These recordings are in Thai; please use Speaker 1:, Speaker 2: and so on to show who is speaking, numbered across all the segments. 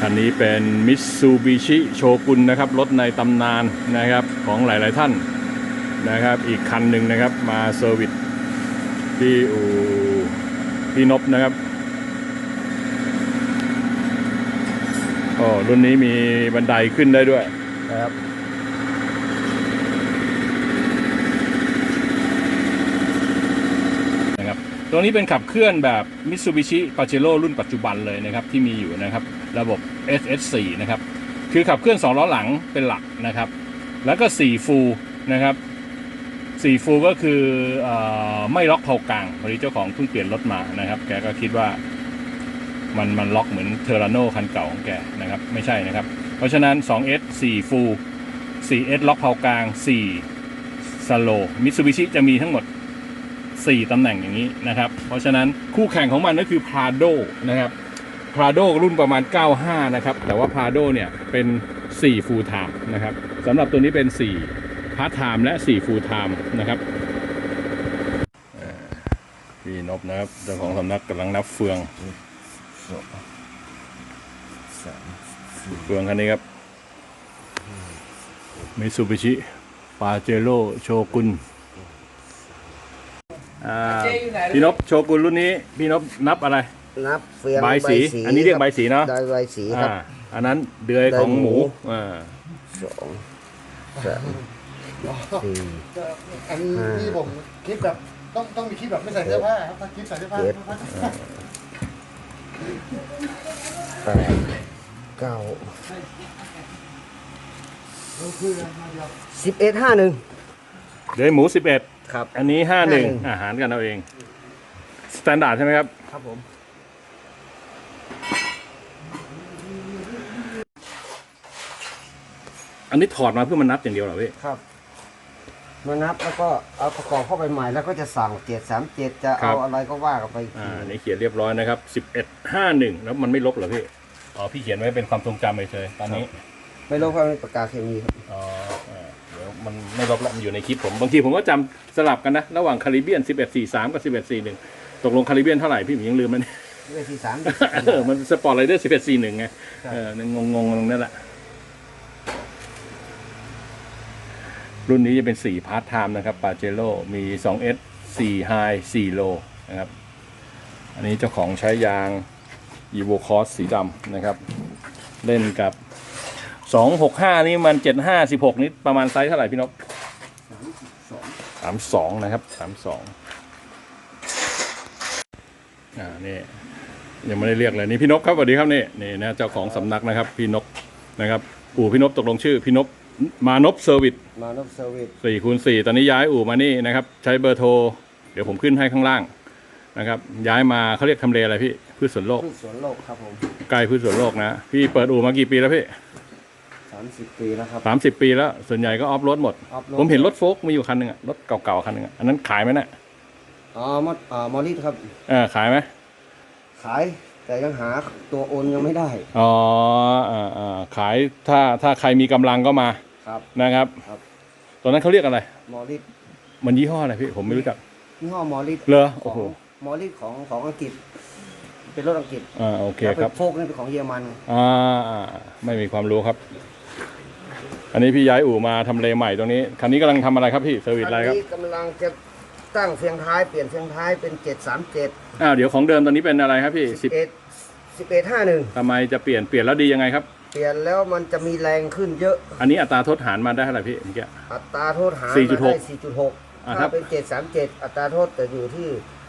Speaker 1: คันนี้เป็นมิตซูบิชิโชกุนนะครับรถในตำนานนะครับของหลายๆท่านนะครับอีกคันหนึ่งนะครับมาเซอร์วิสที่อู่พี่นพนะครับรุ่นนี้มีบันไดขึ้นได้ด้วยนะครับตัวนี้เป็นขับเคลื่อนแบบ Mitsubishi Pajero รุ่นปัจจุบันเลยนะครับที่มีอยู่นะครับระบบ SS4 นะครับคือขับเคลื่อน2ล้อหลังเป็นหลักนะครับแล้วก็4ฟูลนะครับ4ฟูลก็คือไม่ล็อกเผากลางพอดีเจ้าของเพิ่งเปลี่ยนรถมานะครับแกก็คิดว่ามันล็อกเหมือนเทอร์ราโนคันเก่าของแกนะครับไม่ใช่นะครับเพราะฉะนั้น 2S 4ฟูล 4S ล็อกเผากลาง4สโลว์ Mitsubishi จะมีทั้งหมด4ตำแหน่งอย่างนี้นะครับเพราะฉะนั้นคู่แข่งของมันก็คือ Prado นะครับ Prado รุ่นประมาณ95นะครับแต่ว่า Prado เนี่ยเป็น4 Full Time นะครับสำหรับตัวนี้เป็น4 Part Time และ4 Full Time นะครับพี่นพนะครับเจ้าของสำนักกำลังนับเฟืองเฟืองคันนี้ครับ Mitsubishi Pajero โชกุนพี่นพโชกุนรุ่นนี้พี่นพนับอะไร
Speaker 2: นับเฟือง
Speaker 1: ใบสีอันนี้เรียกใบสีเนาะ
Speaker 2: ใบสีครับ
Speaker 1: อันนั้นเดือยของหมู2
Speaker 2: 3 4
Speaker 3: อันนี้ผมคลิปแบบต้องมีคลิปแบบไม่ใส่เสื้อผ้าครับถ้าคลิปใส่เสื้อผ้า
Speaker 2: 8 9 11 51
Speaker 1: เดือยหมู11
Speaker 2: ครับ
Speaker 1: อันนี้51อาหารกันเอาเองสแตนดาร์ดใช่ไหมครับ
Speaker 2: ครับผม
Speaker 1: อันนี้ถอดมาเพื่อมันนับอย่างเดียวเหรอพี่
Speaker 2: ครับมานับแล้วก็เอาประกอบเข้าไปใหม่แล้วก็จะสั่ง737จะเอาอะไรก็ว่ากันไป
Speaker 1: นี่เขียนเรียบร้อยนะครับ1151แล้วมันไม่ลบเหรอพี่พี่เขียนไว้เป็นความทรงจำเฉยๆตอนนี้
Speaker 2: ไม่ลบเพราะเป็นปากกาเคมีครับ
Speaker 1: เดี๋ยวมันไม่ลบแล้วมันอยู่ในคลิปผมบางทีผมก็จำสลับกันนะระหว่างคาริเบียน1143กับ1141ตกลงคาริเบียนเท่าไหร่พี่ผมยังลืมมัน
Speaker 2: 1143
Speaker 1: มันสปอร์ตไรเดอร์1141ไงงงตรงนั้นแหละรุ่นนี้จะเป็น4 Part Time นะครับ Pajero มี 2S 4 High 4 Low นะครับอันนี้เจ้าของใช้ยาง Evo Cross สีดำนะครับเล่นกับ265นี่มัน75 16นี่ประมาณไซส์เท่าไหร่พี่นพ32นะครับ32นี่ยังไม่ได้เรียกเลยนี่พี่นพครับสวัสดีครับนี่นะเจ้าของสำนักนะครับพี่นพนะครับอู่พี่นพตกลงชื่อพี่นพมานพเซอร์วิส4x4ตอนนี้ย้ายอู่มานี่นะครับใช้เบอร์โทรเดี๋ยวผมขึ้นให้ข้างล่างนะครับย้ายมาเขาเรียกทำเลอะไรพี่พืชสวนโลก
Speaker 2: ครับผม
Speaker 1: ใกล้พืชสวนโลกนะพี่เปิดอู่มากี่ปีแล้วพี่
Speaker 2: 30 ปีแล้วครับ
Speaker 1: 30 ปีแล้วส่วนใหญ่ก็ออฟโรดหมดผมเห็นรถโฟล์กมีอยู่คันหนึ่งรถเก่าๆคันหนึ่งอันนั้นขายไหมเนี่ย
Speaker 2: มอริสครับ
Speaker 1: ขายไหม
Speaker 2: ขายแต่ยังหาตัวโอนยังไม่ได้
Speaker 1: ขายถ้าใครมีกำลังก็มานะครับตัวนั้นเขาเรียกอะไร
Speaker 2: มอริส
Speaker 1: มันยี่ห้ออะไรพี่ผมไม่รู้จัก
Speaker 2: ยี่ห้อมอริส
Speaker 1: เหรอโอ้โห
Speaker 2: มอริสของอังกฤษเป็นรถอังกฤษ
Speaker 1: โอเคครับ
Speaker 2: โฟกนี่เป็นของเยอรมัน
Speaker 1: ไม่มีความรู้ครับอันนี้พี่ย้ายอู่มาทำเลใหม่ตรงนี้คันนี้กำลังทำอะไรครับพี่เซอร์วิสอะไรครับ
Speaker 2: กำลังจะตั้งเฟืองท้ายเปลี่ยนเฟืองท้ายเป็น737
Speaker 1: เดี๋ยวของเดิมตอนนี้เป็นอะไรครับพี่
Speaker 2: 1151
Speaker 1: ทำไมจะเปลี่ยนแล้วดียังไงครับ
Speaker 2: เปลี่ยนแล้วมันจะมีแรงขึ้นเยอะ
Speaker 1: อันนี้อัตราโทษหารมาได้เท่าไหร่พี่เมื่อกี้
Speaker 2: อัตราโทษหารมาได้ 4.6 ถ้าเป็น737อัตราโทษจะอยู่ที่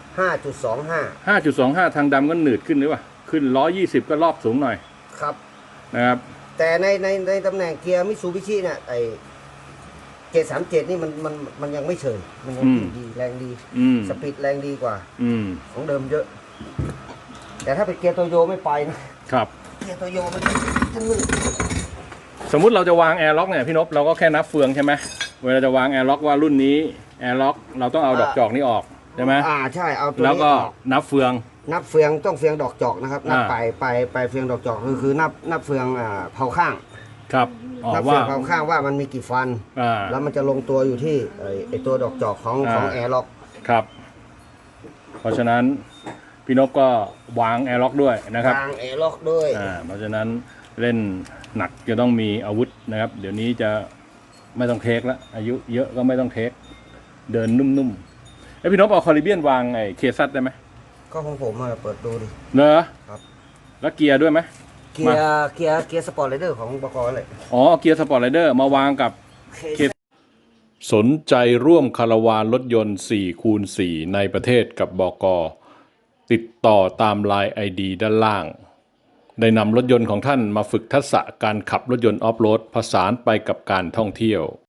Speaker 2: 5.25
Speaker 1: ทางดำก็หนืดขึ้นหรือเปล่าขึ้น120ก็รอบสูงหน่อย
Speaker 2: ครับ
Speaker 1: นะครับ
Speaker 2: แต่ในตำแหน่งเกียร์มิตซูบิชิเนี่ยไอ้737นี่มันยังไม่เฉยมันยังดีแรงดีสปีดแรงดีกว่าของเดิมเยอะแต่ถ้าเป็นเกียร์โตโยไม่ไปนะครับเกียร์โตโยมันจะหนืด
Speaker 1: สมมุติเราจะวางแอร์ล็อกเนี่ยพี่นพเราก็แค่นับเฟืองใช่ไหมเวลาจะวางแอร์ล็อกว่ารุ่นนี้แอร์ล็อกเราต้องเอาดอกจอกนี้ออกใช่ไหม
Speaker 2: ใช่เอาตัวนี้
Speaker 1: แล้วก็นับเฟือง
Speaker 2: ต้องเฟืองดอกจอกนะครับนับไปเฟืองดอกจอกคือนับเฟืองเผาข้าง
Speaker 1: ครับ
Speaker 2: นับเฟืองเผาข้างว่ามันมีกี่ฟันแล้วมันจะลงตัวอยู่ที่ไอตัวดอกจอกของแอร์ล็อก
Speaker 1: ครับเพราะฉะนั้นพี่นพก็วางแอร์ล็อกด้วยนะครับ
Speaker 2: วางแอร์ล็อกด้วย
Speaker 1: เพราะฉะนั้นเล่นหนักจะต้องมีอาวุธนะครับ เดี๋ยวนี้จะไม่ต้องเทคแล้วอายุเยอะก็ไม่ต้องเทคเดินนุ่มๆไอพี่นพเอาคอริเบียนวางไอ้เคซัตได้ไหม
Speaker 2: ก็ของผมมาเปิดดูดิ
Speaker 1: เนอะ
Speaker 2: ครับ
Speaker 1: แล้วเกียร์ด้วยไหม
Speaker 2: เกียร์สปอร์ตไรเดอร์ของบกเลย
Speaker 1: อ๋อเกียร์สปอร์ตไรเดอร์มาวางกับเคสนใจร่วมคาราวานรถยนต์4x4ในประเทศกับบก.ติดต่อตามไลน์ ID ด้านล่าง ได้นำรถยนต์ของท่านมาฝึกทักษะการขับรถยนต์ออฟโรดผสานไปกับการท่องเที่ยว